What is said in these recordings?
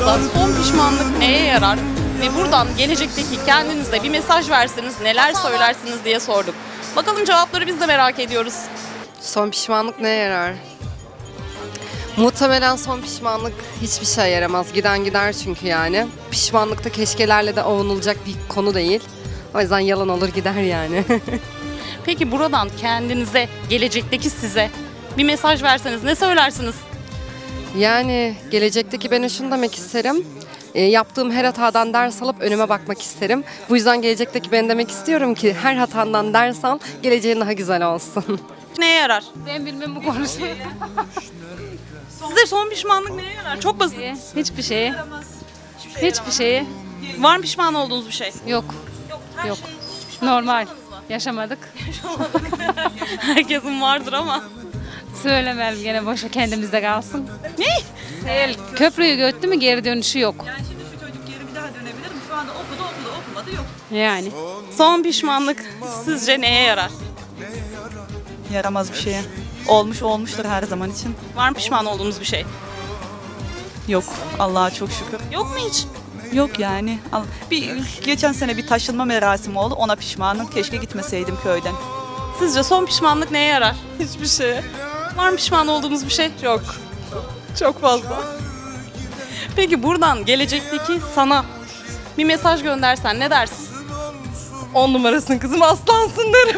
sorumuzda son pişmanlık neye yarar? Ve buradan gelecekteki kendinize bir mesaj verseniz neler söylersiniz diye sorduk. Bakalım cevapları biz de merak ediyoruz. Son pişmanlık neye yarar? Muhtemelen son pişmanlık hiçbir şey yaramaz. Giden gider çünkü yani. Pişmanlıkta keşkelerle de avunulacak bir konu değil. O yüzden yalan olur gider yani. Peki buradan kendinize, gelecekteki size bir mesaj verseniz ne söylersiniz? Yani gelecekteki ben şunu demek isterim. Yaptığım her hatadan ders alıp önüme bakmak isterim. Bu yüzden gelecekteki ben demek istiyorum ki her hatandan ders al, geleceğin daha güzel olsun. Neye yarar? Ben bilmem bu konuşmayı. Size son pişmanlık neye yarar? Çok basit. Hiçbir şeye. Hiçbir şeye. Var mı pişman olduğunuz bir şey? Yok. Yok. Normal. Yaşamadık. Herkesin vardır ama. Söylemeyelim gene boşa kendimizde kalsın. Ne? Değil. Köprüyü göttü mü geri dönüşü yok. Yani şimdi şu çocuk geri bir daha dönebilir mi? Şu anda okumadı yok. Yani. Son pişmanlık sizce neye yarar? Yaramaz bir şeye. Olmuştur her zaman için. Var mı pişman olduğunuz bir şey? Yok. Allah'a çok şükür. Yok mu hiç? Yok yani. Geçen sene bir taşınma merasimi oldu. Ona pişmanım. Keşke gitmeseydim köyden. Sizce son pişmanlık neye yarar? Hiçbir şeye. Var mı pişman olduğumuz bir şey? Yok. Çok fazla. Peki buradan gelecekteki sana bir mesaj göndersen ne dersin? 10 numarasın kızım, aslansın derim.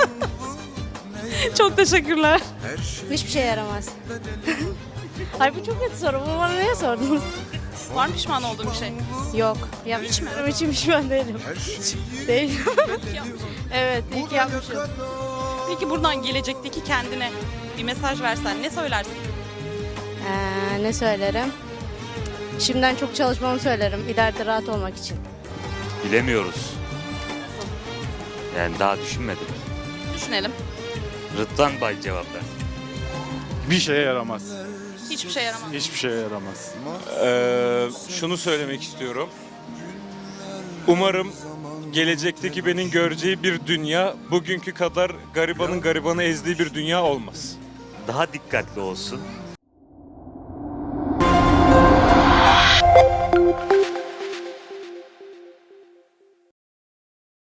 Çok teşekkürler. Hiçbir şey yaramaz. Ay bu çok kötü soru. Bunu bana niye sordunuz? Var mı pişman olduğun bir şey? Yok. Yapmışım. Hiç pişman değilim. Değilim. Evet, iyi ki yapmışım. Peki buradan gelecekteki kendine bir mesaj versen ne söylersin? Ne söylerim? Şimdiden çok çalışmamı söylerim. İleride rahat olmak için. Bilemiyoruz. Yani daha düşünmedim. Düşünelim. Rıdvan Bay cevap ver. Bir şeye yaramaz. Hiçbir şey yaramaz. Hiçbir şeye yaramaz. Şunu söylemek istiyorum. Umarım gelecekteki benim göreceği bir dünya bugünkü kadar garibanın garibanı ezdiği bir dünya olmaz. Daha dikkatli olsun.